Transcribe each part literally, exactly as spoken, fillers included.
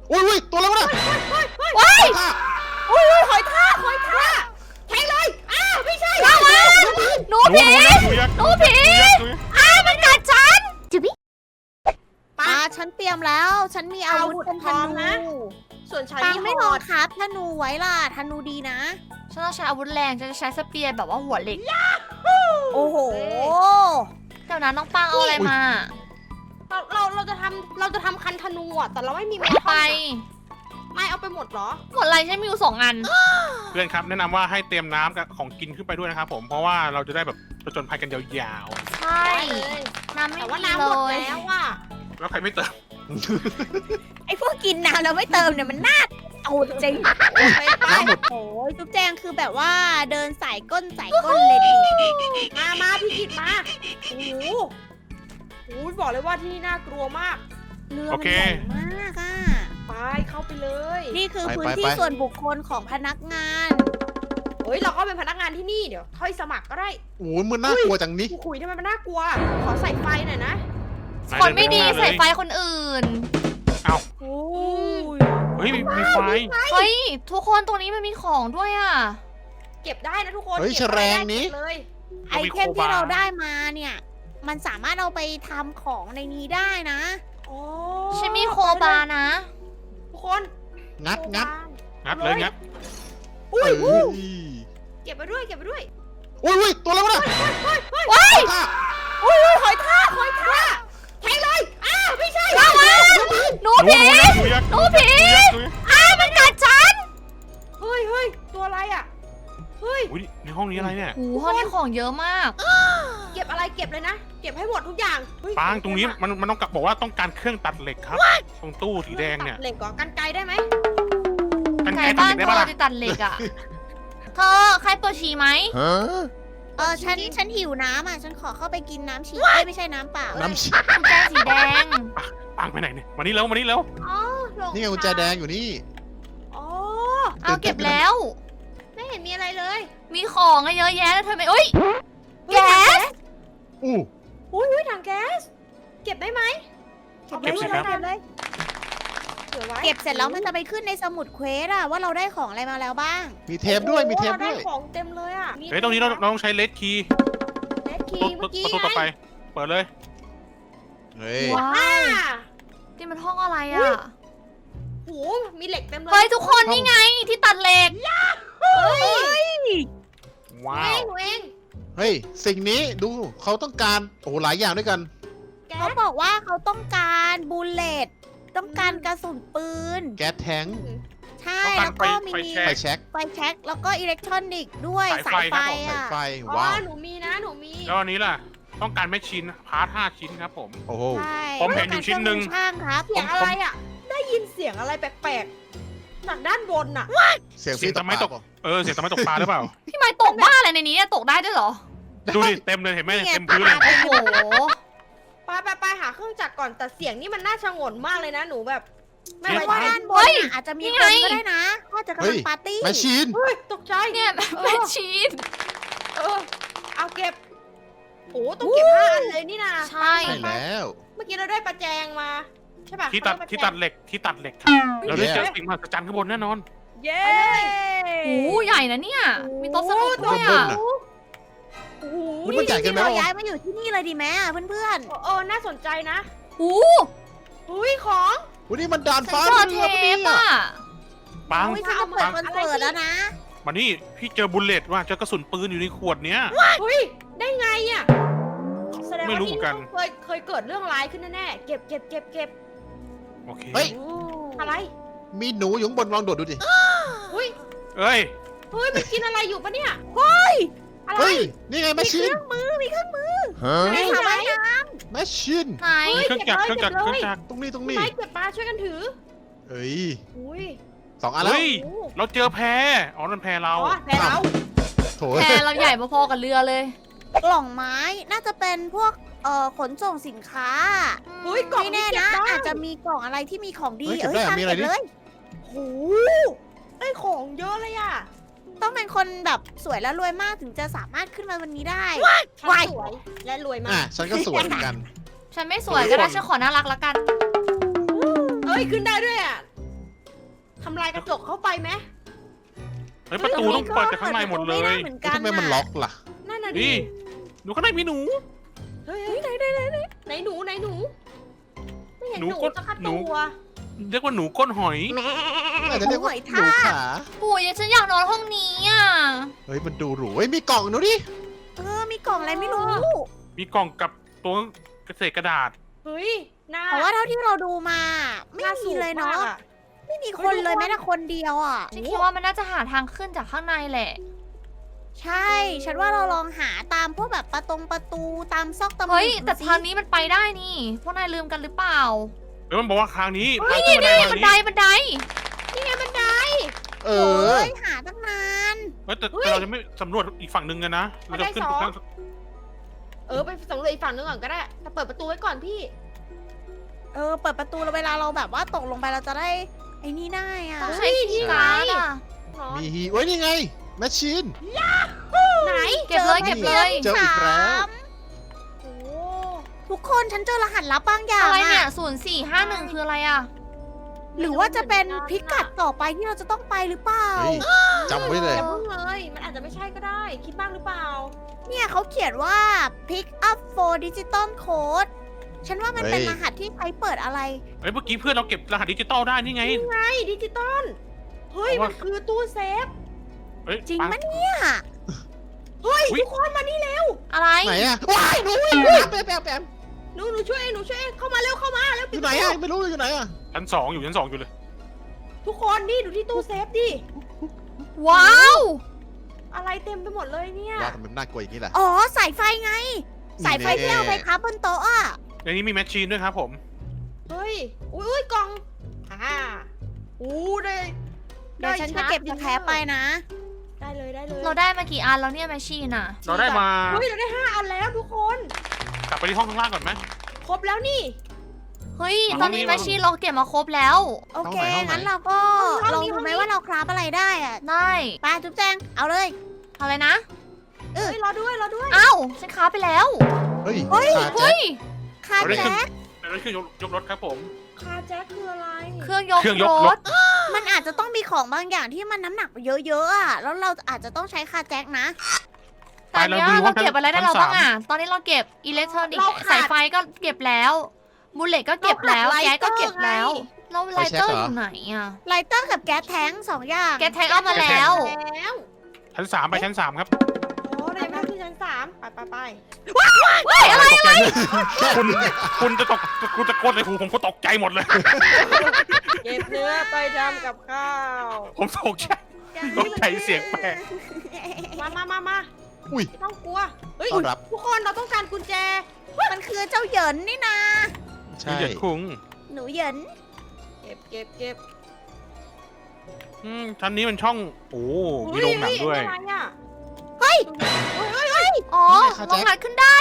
อุ้ยอุ้ยตัวอะไรวะเนี่ยว้ายค่ะอุ้ยหอยทากหอยทากแทงเลยอ้าวไม่ใช่ระวังหนูผีหนูยักษ์หนูผีหนูยักษ์หนูยักษ์อ้าวมันกัดฉันจุบิปาฉันเตรียมแล้ว ฉันมีอาวุธเป็นธพร้อมนูนะ ส่วนฉันปังมีไม่หลอองดครับธนูไว้ล่ะธนูดีนะฉันต้องใช้อาวุธแรงฉันจะใช้สเปียร์แบบว่าหัวเหล็กโอ้โหเดี๋ยวนั้นน้องปังเอาอะไรมาเราเราเราจะทำเราจะทำคันธนูอ่ะแต่เราไม่มีเอาไปไม่เอาไปหมดเหรอหมดอะไรฉันมีอยู่สองอันเพื่อนครับแนะนำว่าให้เตรียมน้ำกับของกินขึ้นไปด้วยนะครับผมเพราะว่าเราจะได้แบบผจญภัยกันยาวใช่ได้เลยน้ำไม่แต่ว่ามีน้ำเลหมดยแล้วอ่ะๆแล้วใครไม่เติมไอ้พวกกินน้ำแล้วไม่เติมเนี่ยมันน่าเอาจริงไปไปน้ำหมดโอ้ยจุ๊บแจงคือแบบว่าเดินสายก้นสายก้นเลยดิมามาพี่กิตมาโอ้โหโอ้โหบอกเลยว่าที่นี่น่ากลัวมากเรือโอมันเคใหญ่มากอ่ะไปเข้าไปเลยนี่คือไปพื้นไปที่ไปส่วนบุคคลของพนักงานเฮ้ยเราก็เป็นพนักงานที่นี่เดี๋ยวค่อยสมัครก็ได้โอ้ยมันน่ากลัวจังนี้คุยทำไมมันน่ากลัว ขอใส่ไฟหน่อยนะคนไม่ดีนายเนใส่ปไฟข้างหน้าเลยคนอื่นโอ้ยเฮ้ยมีมีไฟเฮ้ย ทุกคนตรงนี้มันมีของด้วยอ่ะเก็บได้นะทุกคนเฮ้ยก็บอะไรแฉลงได้นี้เก็บเลยไอเทมที่เราได้มาเนี่ย มันสามารถเอาไปทำของในนี้ได้นะโอ้ฉันมีโคบานะทุกคนงัดงัดงัดเลยงัดเอ้ยเก็บไปด้วยเก็บไปด้วยอุ้ยอุ้ยตัวอะไรวะเนี่ยว้ายค่ะอุ้ยหอยทากหอยทากแทงเลยอ้าวไม่ใช่ระวังหนูหนูผีหนูยักษ์หนูยักษ์หนูผีหนูยักษ์หนูยักษ์อ้าวมันกัดฉันเฮ้ยเฮ้ยตัวอะไรอ่ะเฮ้ยอุ้ยในห้องนี้อะไรเนี่ยโอ้โหห้องนี้ของเยอะมากเก็บอะไรเก็บเลยนะ เก็บให้หมดทุกอย่างเฮ้ยปางตรงนี้มันมันต้องกลับบอกว่าต้องการเครื่องตัดเหล็กครับ ตรงตู้สีแดงเนี่ยตัเหล็กก่อนกันไกลได้ไหมกันไหนไกรตัดบ้าเหนล็กได้เธปะอล่ะจะตัดเหล็กอ่ะ เธอใครปวดฉี่ไหมฮะเออฉันฉันหิวน้ำอ่ะ ฉันขอเข้าไปกินน้ำฉี่เอ้ยไม่ใช่น้ำเปล่าน้ำฉีกุญแจสีแดงปางไปไหนเนี่ยมานี่แล้วมานี่แล้วอ๋อหลงนี่ไงกุญแจแดงอยู่นี่อ๋อเอาเก็บแล้วไม่เห็นมีอะไรเลยมีของอะเยอะแยะแล้วเธอไม่เอ้ย แก๊สอู้อุ้ยอุ้ยถังแก๊ส เก็บได้ไหมเก็บสิครับเก็บเลยเก็บไว้เก็บเสร็จแล้วมันจะไปขึ้นในสมุดเควสอะว่าเราได้ของอะไรมาแล้วบ้างมีเทปด้วยมีเทปโอ้โหราด้วยได้ของเต็มเลยอ่ะเฮ้ยตรงนี้เราเราต้องใช้เลดคีย์เลดคีตู้ย์เมื่อกี้ประตูต่อไปไงเปิดเลยเฮ้ยว้าอ่าวนี่มันห้องอะไรอ่ะโหมีเหล็กเต็มเลยเฮ้ยทุกคนนี่ไงที่ตัดเหล็กเฮ้ยว้าเอวงหนูเองเฮ้ยสิ่งนี้ดูเขาต้องการโอ้โหหลายอย่างด้วยกันแก๊เขาสบอกว่าเขาต้องการบูลเลตต้องการกระสุนปืนแก๊สแท้งใช่ต้องการแล้วก็มีไฟแช็ไฟกแช็กไฟแช็กแล้วก็อิเล็กทรอนิกส์ด้วยสายไฟสายไฟครับผมอ่ะไฟอ๋อว้าวหนูมีนะ หนูมีแล้วอันนี้ล่ะ ต้องการแมชชีนพาร์ทห้าชิ้นครับผมโอ้โหใช่ผมเห็นอยู่ชิ้นหนึ่งต้องการเครื่องมือช่างครับเสียงอะไรอ่ะ ได้ยินเสียงอะไรแปลกๆ จากด้านบนน่ะเสียงเสียงตทำไมตกปากเออเสียงทำไมตกปลาหรือเปล่าพี่ไม้ตกบ้าอะไรในนี้อะตกได้ด้วยเหรอดูดิเต็มเลยเห็นไหมนี่ไงเต็มพื้นเลยโอ้โหไปไปไปหาเครื่องจักรก่อน แต่เสียงนี่มันน่าชงนมากเลยนะ หนูแบบ ไม่ไม่ไว้ว่าใจด้านบเฮ้นยน่ะอาจจะมีนี่คไงนก็ได้นะถ้าจะกำลังปาร์ตี้แมชชีนเฮ้ย ตกใจเนี่ยเอแมอชชีนเออ เอาเก็บโอ้ต้องเก็บห้าอันเลยนี่นะใช่ใช่แล้วเมื่อกี้เราได้ประแจงมา ใช่ป่ะที่ตัดเขาเรียกที่ประแจตังดเหล็กที่ตัดเหล็กครับเราได้เจอสิ่งมหัศจรรย์ข้างบนแน่นอนเย้โอ้โหใหญ่นะเนี่ย มีโต๊ะสนุกด้วยบอ่ะนน่ะโอ้โหอุ๊ยมันใหญ่เกินไปเราวะย้ายมาอยู่ที่นี่เลยดีไหมอ่ะเพื่อนเออ น่าสนใจนะโอ้โหอุ้ยของวันนี้มันด่านฉันฟ้าเจอเรืเทอปะเนี่ปยอ่ะๆปังโอ้ยฉันจะเปิดคอนเสิร์ตแล้วนะมานี่พี่เจอบุลเลตว่ะเจอกระสุนปืนอยู่ในขวดเนี้ยเฮ้ย ได้ไงอ่ะ แสดงไม่ว่ารู้ที่เหมือนกันี่นเคยเคยเกิดเรื่องร้ายขึ้นแน่ๆ เก็บเก็บเก็บเก็บโอเคเฮ้ยอะไรมีหนูอยู่ข้างบนลองโดดดูดิอุ้ยเอ้ยเฮ้ย มันกินอะไรอยู่ปะเนี่ยเฮ้ยอะไรเฮ้ยนี่ไงแมชมีเคชีนรื่องมือมีเครื่องมือฮะในสระว่ายน้แมชชีนไหนเครื่องจักรเครื่องจักรเครื่องจักรตรงนี้ตรงพี่นี้ไม้เก็บปลาช่วยกันถือเอ้ยอุ้ยสองอันแล้วเฮ้ยโอ้เราเจอแพอ๋อนั่นแพเราอ๋อแพ้เราโถแพรเราใหญ่พอๆกับเรือเลยำกล่องไม้น่าจะเป็นพวกเอ่อขนส่งสินค้าเฮ้ยกล่องไม่นี้แน่เก็บนะได้อาจจะมีกล่องอะไรที่มีของดีเฮ้ยเก็บเอ้ยได้อะตามมีอะไรเก็บดิเลยโหได้ของเยอะเลยอ่ะต้องเป็นคนแบบสวยและรวยมากถึงจะสามารถขึ้นมาวันนี้ได้ฉันวายสวยและรวยมาอ่ะกฉันก็สวยเหมือนกันฉันไม่สวยก็ได้ฉันขอน่ารักละกันเอ้ย ขึ้นได้ด้วยอ่ะทำลายกระจกเข้าไปไหมเฮ้ยประตูต้องเปิดจากข้างในหมดเลยปิประตูไได้เหมือนแล้วกันทำไมมันล็อกล่ะนั่นน่ะนี่ดิหนูข้างในมีหนูเฮ้ยเฮ้ยไหนไหนไหนไหนไหนหนูไหนหนู ไม่เห็นหนูหนูก็สักหนูตัวเรียกว่าหนูก้นหอยอาจจะเรียกว่าหนูขาปู่ยฉันอยากนอนห้องนี้อ่ะเฮ้ยมันดูหรูเฮ้ยมีกล่องดูดิเออมีกล่องอะไรไม่รู้มีกล่องกับตัวเกษตรกระดาษเฮ้ยหน้าแต่ว่าเท่าที่เราดูมา ไม่หน้ามีสูงเลยเนาะมกอไม่มีคนเลยแม้แต่คนเดียวอ่ะฉันคิดว่ามันน่าจะหาทางขึ้นจากข้างในแหละใช่ ฉันว่าเราลองหาตามพวกแบบประตงประตูตามซอกตามเฮ้ยมุมแต่ดูสิทางนี้มันไปได้นี่ พวกนายลืมกันหรือเปล่าเดี๋ยวมันบอกว่าครั้งนี้เฮ้ยทางขึ้นี่นนี่บันไดบันไดบันไดนี่ไงบันไดเอโอ้อยหาตั้งนานเฮ้ยแต่แต่เราจะไม่สำรวจอีกฝั่งหนึ่งกันนะ เราจะขึ้นบันไดสองข้างเออไปสำรวจอีกฝั่งนึงก่อนก็ได้แต่เปิดประตูไว้ก่อนพี่เออเปิดประตูแล้วเวลาเราแบบว่าตกลงไปเราจะได้ไอ้นี่ได้อ่ะต้องใช้คีย์การ์ดอ่ะหรอมีฮีเว้ยนี่ไงแมชชีนไหนเก็บเลยเก็บเลยเจออีกแล้วโอ้ทุกคนฉันเจอรหัสลับบางอย่างอะไรเนี่ยอะศูนย์สี่ห้าหนึ่งคืออะไรอ่ะหรือว่าจะเป็นพิกัดต่อไปที่เราจะต้องไปหรือเปล่าเฮ้ยจำไว้เลยอย่าเพิ่งเลย มันอาจจะไม่ใช่ก็ได้ คิดบ้างหรือเปล่าเนี่ยเขาเขียนว่า pick up for digital code ฉันว่ามันเป็นเฮ้ยรหัสที่ใช้เปิดอะไรๆเฮ้ยเมื่อกี้เพื่อนเราเก็บรหัสดิจิตอลได้นี่ไงไอ้ดิจิตอล เฮ้ยเพราะมัว่านคือตู้เซฟเฮ้ยจริงปังปะเนี่ยเฮ้ยอุ๊ยทุกคนมานี่เร็วอะไรไหนอะว้ายหนูแปมแปมแปมหนูหนูช่วยเองหนูช่วยเองเข้ามาเร็วเข้ามาเร็วอปิดยู่ไหนอะไม่รู้อยู่ไหนอะชั้นสองอยู่ชั้นสองอยู่เลยทุกคนนี่ดูที่ตู้เซฟดิว้าวอะไรเต็มไปหมดเลยเนี่ยว่าทำไมมันน่ากลัวอย่างนี้ล่ะอ๋อสายไฟไง สายไฟที่เอาไปคับบนโต๊ะอะในนี้มีแมชชีนด้วยครับผมเฮ้ย อุ้ยอุ้ยกล่อง อ่าอู้ได้เดี๋ยวฉันจะเก็บสแครปไปนะได้เลยได้เลยเราได้มากี่อันแล้วเนี่ยแมชชีนอ่ะเราได้มาเฮ้ยเราได้ห้าอันแล้วทุกคนกลับไปที่ห้องข้างล่างก่อนไหมครบแล้วนี่เฮ้ยเอาตอนนี้นี่แมชชีนเราเก็บมาครบแล้วโอเคห้องไหนห้องไหนงั้นเราก็ห้องลองนี้ดูห้องไหมนี้ว่าเราคราฟอะไรได้อะได้ไปจุ๊บแจง เอาเลยอะไรนะเออเฮ้ยรอด้วยรอด้วยเอ้าฉันค้าไปแล้วเฮ้ยเฮ้ยขาแจ็เฮ้คยคาแจ็คแต่นั่นคือยกยกรถครับผมคาแจ็คคืออะไรเครื่องยกเครื่องยรกรถถมันอาจจะต้องมีของบางอย่างที่มันน้ำหนักเยอะๆอะแล้วเราอาจจะต้องใช้คาแจ็คนะแต่อันเนี้ยไปเราดูเราว่าเก็บอะไรได้ชั้นเราบ้างสามอ่ะ ตอนนี้เราเก็บอิเล็กทรอนิกเราส์ขาดสายไฟก็เก็บแล้วบูเลตก็เก็บแล้วเราขาดแก๊สก็เก็บไลเตอร์แล้วไงเราไลเตอร์อยู่ไหนอ่ะไลเตอร์กับแก๊สแท้งสองอย่างแก๊สแท็กเอามาแล้วแล้วชั้นสามไปชั้นสามครับโอ้ได้มาที่ชั้นสามไปไปไปเฮ้ยอะไรตกใจคุณคุณจะตกคุณจะโกนในหูผมก็ตกใจหมดเลยเก็บเนื้อไปทำกับข้าวผมตกใจ ตกใจเสียงแปลกมามามามาอุ้ยไม่ต้องกลัว เฮ้ยต้อนรับทุกคนเราต้องการกุญแจมันคือเจ้าเหยินนี่นะใช่เหยียดคุ้งหนูเหยินเก็บเก็บเก็บอืมชั้นนี้มันช่อง โอ้ มีโรงหนังด้วยเฮ้อะไรอ่ะเฮ้ยอ๋อนี่ไงคะลองแจ็คงัดขึ้นได้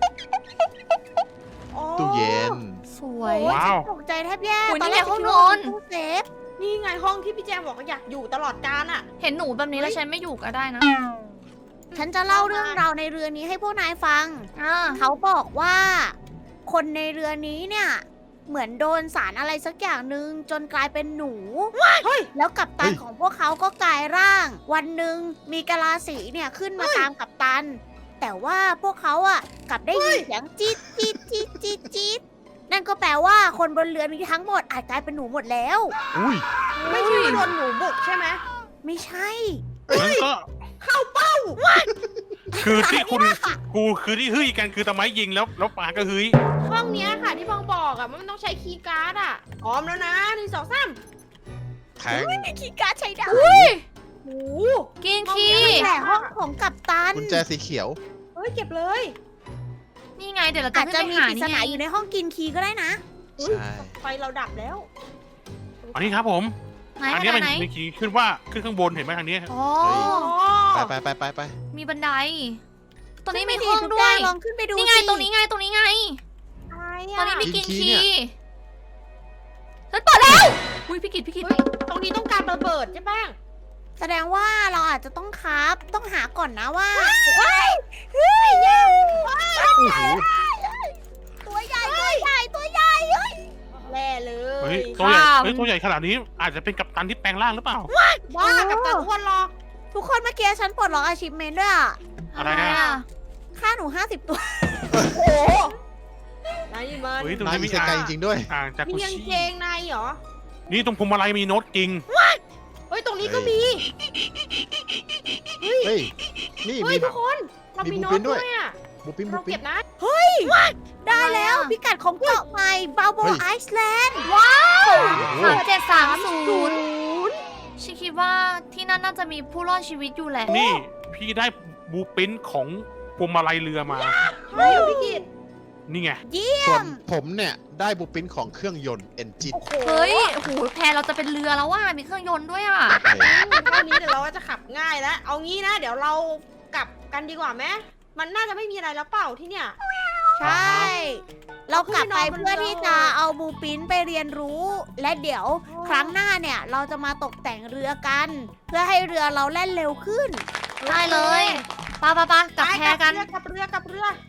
อ๋อตู้เย็นสวยโอ้ยว้าวตกใจแทบแย่โอ้ยตอนแรกนี่ไงห้องคิดว่านอนตู้เซฟนี่ไงห้องที่พี่แจมบอกว่าอยากอยู่ตลอดกาลอ่ะเห็นหนูแบบนี้แล้วฉันไม่อยู่ก็ได้นะฉันจะเล่าเรื่องราวในเรือนี้ให้พวกนายฟังอ่าเขาบอกว่า คนในเรือนี้เนี่ย เหมือนโดนสารอะไรสักอย่างหนึ่งจนกลายเป็นหนูเฮ้ยแล้วกัปตันเฮ้ยของพวกเขาก็กลายร่าง วันหนึ่งมีกะลาสีเนี่ยขึ้นมาตามกัปตัน แต่ว่าพวกเขาอ่ะกลับได้ยินเสียงจี๊ดจี๊ดจี๊ดจี๊ดจี๊ดนั่นก็แปลว่าคนบนเรือนี้ทั้งหมดอาจกลายเป็นหนูหมดแล้วอุ้ยไม่ใช่ว่าโดนหนูบุกใช่ไหมไม่ใช่มันก็เข้าเป้าคือที่คุณกูคือที่ฮึ่ยกันคือตะไม้ยิงแล้วแล้วปาก็ฮึ่ยห้องเนี้ยค่ะที่พองบอกอ่ะมันต้องใช้คีย์การ์ดอ่ะพร้อมแล้วนะหนึ่งสองสามแทงมีคีย์การ์ดใช้ได้โอ้โหกินห้องคีนี้แต่ห้องของกัปตันกุญแจสีเขียวเฮ้ยเก็บเลยนี่ไงเดี๋ยวเราจะอาจขึ้จะนไปมีหาปริศนี่นาไงอยู่ในห้องกินคีย์ก็ได้นะเฮ้ยใช่ไฟเราดับแล้วอันนี้ครับผมไหนอันไหนี้นมันไหนมีขีดขึ้นว่าขึ้นข้างบนเห็นไหมทางนี้อ๋อไปไปไปไปไปมีบันได ตรงนี้มีขึ้ห้องไปด้วยลองขึ้นไปดูนี่ไงสิตรงนี้ไงตรงนี้ไงอะไรตอนนี้อ่ะมีกินกินคีคีย์เนี่ยฉันเปิดแล้วอุ้ยพี่กิดพี่กิดเฮ้ยตรงนี้ต้องการระเบิดใช่ป้งแสดงว่าเราอาจจะต้องครับ ต้องหาก่อนนะว่าเฮ้ยเฮ้ยยังโอ้โหตัวใหญ่ตัวใหญ่ตัวใหญ่เฮ้ยแแน่เลเฮ้ยยตัวใหญ่ข้ามเฮ้ยตัวใหญ่ขนาดนี้อาจจะเป็นกัปตันที่แปลงร่างหรือเปล่าบ้ากับตันอ้วนหรอกทุกคนเมื่อกี้ฉันปลดล็อกอาชีพเมนด้วยอะอะไรอะค่าหนูห้าสิบตัวโอ้โหนายมันเฮ้ยตรงนายนี้มีมีเซอ่างไกจริงๆด้วยอ่างจากมีกุกางชิเกงในเหรอนี่ตรงพวงมาลัยมีโน้ตจริงเฮ้ยตรงนี้ก็มีเฮ้ย นี่เฮ้มียทุกคนเรามีมีบูโน้ปิตนด้ด้ววย ยอ่ะบูปินบูเราปิเก็นบนะได้แล้วอะไรอะพิกัดของเกาะใหม่บาโบเฮ้ยไอซ์แลนด์ว้าวโอ้โหสามเจ็ดสามศูศูนย์นย์ฉันคิดว่าที่นั่นน่าจะมีผู้รอดชีวิตอยู่แหละนี่พี่ได้บูปินของพวงมาลัยเรือมาใช่เหรอพี่กิตนี่ไงส่วนผมเนี่ยได้บูปินของเครื่องยนต์เอนจินโอ้โหเฮ้ยโอ้โหแพเราจะเป็นเรือแล้วว่ามีเครื่องยนต์ด้วยอ่ะเท่านี้เดี๋ยวเราก็จะขับง่ายแล้ว เอางี้นะ เดี๋ยวเรากลับกันดีกว่าไหมมันน่าจะไม่มีอะไรแล้วเปล่าที่เนี่ยใช่ เรากลับไปเพื่อที่จะเอาบูปินไปเรียนรู้ และเดี๋ยวครั้งหน้าเนี่ยเราจะมาตกแต่งเรือกัน เพื่อให้เรือเราแล่นเร็วขึ้นได้เลยปะปะปะกลับแพกันกับเรือกับเรือกับเรือ